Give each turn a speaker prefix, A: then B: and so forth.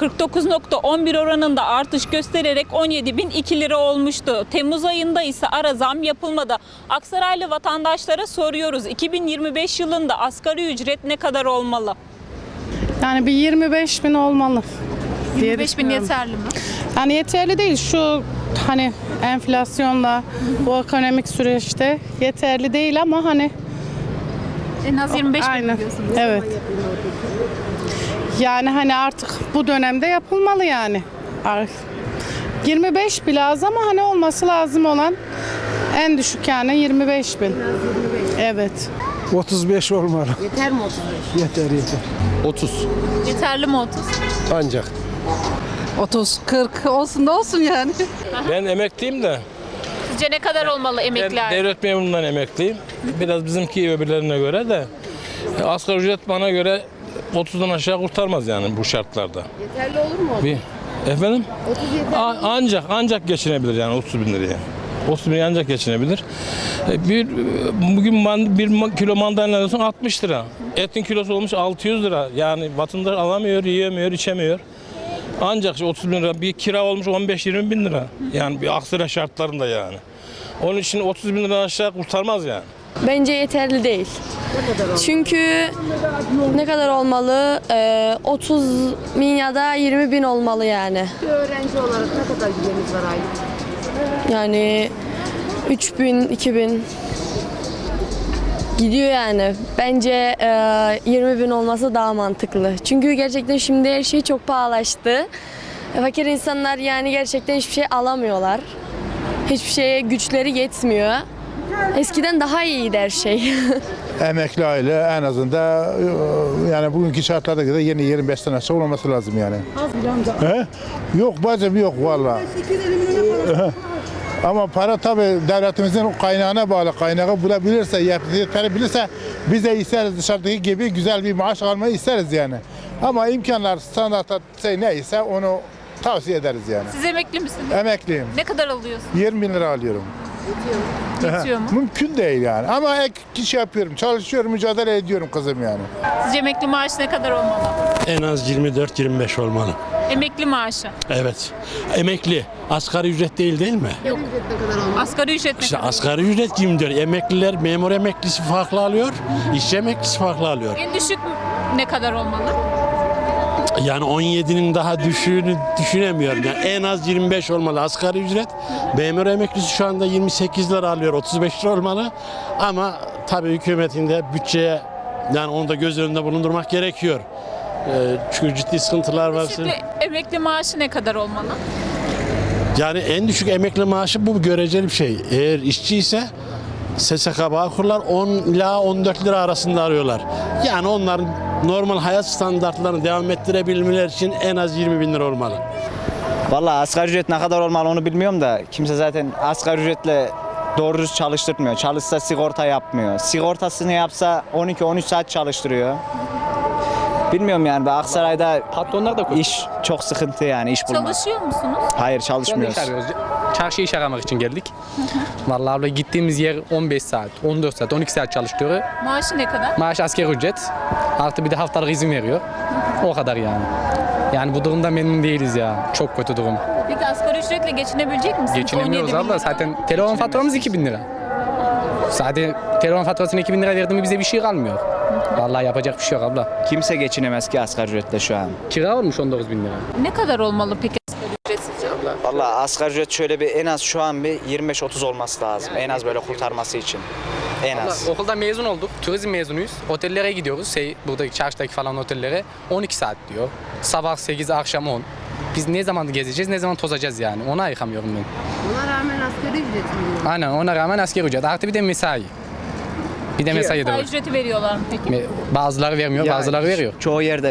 A: %49,11 oranında artış göstererek 17.002 lira olmuştu. Temmuz ayında ise ara zam yapılmadı. Aksaraylı vatandaşlara soruyoruz. 2025 yılında asgari ücret ne kadar olmalı?
B: Yani bir 25.000 olmalı.
A: 25.000 yeterli mi?
B: Yani yeterli değil, şu hani enflasyonla bu ekonomik süreçte yeterli değil ama hani
A: En az 25.000
B: aynen.
A: diyorsunuz.
B: Evet. Yani hani artık bu dönemde yapılmalı yani. 25 bile az ama hani olması lazım olan en düşük yani 25.000. Evet.
C: 35 olmalı.
D: Yeter mi 35?
C: Yeter.
E: 30.
A: Yeterli mi 30?
E: Ancak.
D: 30, 40 olsun da olsun yani.
E: Ben emekliyim de.
A: Sizce ne kadar olmalı
E: Ben
A: emekli aile?
E: devlet memurundan emekliyim. Biraz bizimki öbürlerine göre de. Asgari ücret bana göre 30'dan aşağı kurtarmaz yani bu şartlarda.
D: Yeterli olur mu?
E: Efendim?
D: 30 yeter.
E: Ancak geçinebilir yani 30 bin liraya. 30 bin liraya ancak geçinebilir. Bugün bir kilo mandalina alıyorsun 60 lira. Etin kilosu olmuş 600 lira. Yani vatandaş alamıyor, yiyemiyor, içemiyor. Ancak 30 bin lira bir kira olmuş 15-20 bin lira. Yani bir Aksaray şartlarında yani. Onun için 30 bin lira aşağı kurtarmaz yani.
F: Bence yeterli değil. Çünkü ne kadar olmalı? 30 bin ya da 20 bin olmalı yani.
D: Öğrenci olarak ne kadar gideriniz var aylık?
F: Yani 3 bin, 2 bin gidiyor yani. Bence 20 bin olması daha mantıklı. Çünkü gerçekten şimdi her şey çok pahalaştı. Fakir insanlar yani gerçekten hiçbir şey alamıyorlar. Hiçbir şeye güçleri yetmiyor. Eskiden daha iyiydi her şey.
G: Emekli aile en azından yani bugünkü şartlarda göre yeni 25 tane aşağı olması lazım yani. He? Yok bacım yok vallahi. Ama para tabii devletimizin kaynağına bağlı. Kaynağı bulabilirse, yetebilirse biz de isteriz dışarıdaki gibi güzel bir maaş almayı isteriz yani. Ama imkanlar standartta neyse onu tavsiye ederiz yani.
A: Siz emekli misiniz?
G: Emekliyim.
A: Ne kadar alıyorsunuz?
G: 20 bin lira alıyorum.
A: Yetiyor mu?
G: Mümkün değil yani. Ama ek iş yapıyorum, çalışıyorum, mücadele ediyorum kızım yani.
A: Sizce emekli maaşı ne kadar olmalı?
H: En az 24-25 olmalı.
A: Emekli maaşı.
H: Evet. Emekli. Asgari ücret değil mi?
A: Yok. Asgari ücret ne
H: İşte
A: kadar?
H: asgari ücret 24. Emekliler, memur emeklisi farklı alıyor, işçi emeklisi farklı alıyor.
A: En düşük ne kadar olmalı?
H: Yani 17'nin daha düşüğünü düşünemiyorum. Yani en az 25 olmalı asgari ücret. Memur emeklisi şu anda 28 lira alıyor, 35 lira olmalı. Ama tabii hükümetin de bütçeye yani onu da göz önünde bulundurmak gerekiyor. Çünkü ciddi sıkıntılar var.
A: Şimdi emekli maaşı ne kadar olmalı?
H: Yani en düşük emekli maaşı bu göreceli bir şey. Eğer işçi ise SSK Bağkurlar 10 ila 14 lira arasında arıyorlar. Yani onların normal hayat standartlarını devam ettirebilmeleri için en az 20 bin lira olmalı.
I: Vallahi asgari ücret ne kadar olmalı onu bilmiyorum da kimse zaten asgari ücretle doğru düz çalıştırmıyor. Çalışsa sigorta yapmıyor. Sigortasını yapsa 12-13 saat çalıştırıyor. Bilmiyorum yani Aksaray'da patronlar da iş çok sıkıntı yani iş bulmak.
A: Çalışıyor musunuz?
I: Hayır çalışmıyoruz.
J: Çarşıya iş aramak için geldik. Vallahi abla gittiğimiz yer 15 saat, 14 saat, 12 saat çalıştırıyor.
A: Maaşı ne kadar?
J: Maaş asgari ücret. Artı bir de haftalık izin veriyor. O kadar yani. Yani bu durumda memnun değiliz ya. Çok kötü durum.
A: Peki asgari ücretle geçinebilecek misiniz?
J: Geçinemiyoruz
A: 17 bin
J: abla.
A: lira.
J: Zaten telefon faturamız 2000 lira. Zaten telefon faturasına 2000 lira verdi mi bize bir şey kalmıyor. Vallahi yapacak bir şey yok abla.
I: Kimse geçinemez ki asgari ücretle şu an.
J: Kira olmuş 19 bin lira.
A: Ne kadar olmalı peki asgari ücret sizce?
I: Vallahi asgari ücret şöyle bir en az şu an bir 25-30 olması lazım. En az böyle kurtarması için. En az.
J: Abla, okuldan mezun olduk. Turizm mezunuyuz. Otellere gidiyoruz. Buradaki çarşıdaki falan otellere 12 saat diyor. Sabah 8, akşam 10. Biz ne zaman gezeceğiz, ne zaman tozacağız yani. Ona yıkamıyorum ben.
D: Ona rağmen asgari ücret mi?
J: Aynen ona rağmen asgari ücret. Artı bir de mesai. Bir de mesai de var.
A: Mesai ücreti veriyorlar mı peki?
J: Bazıları vermiyor, bazıları veriyor.
I: Çoğu yerde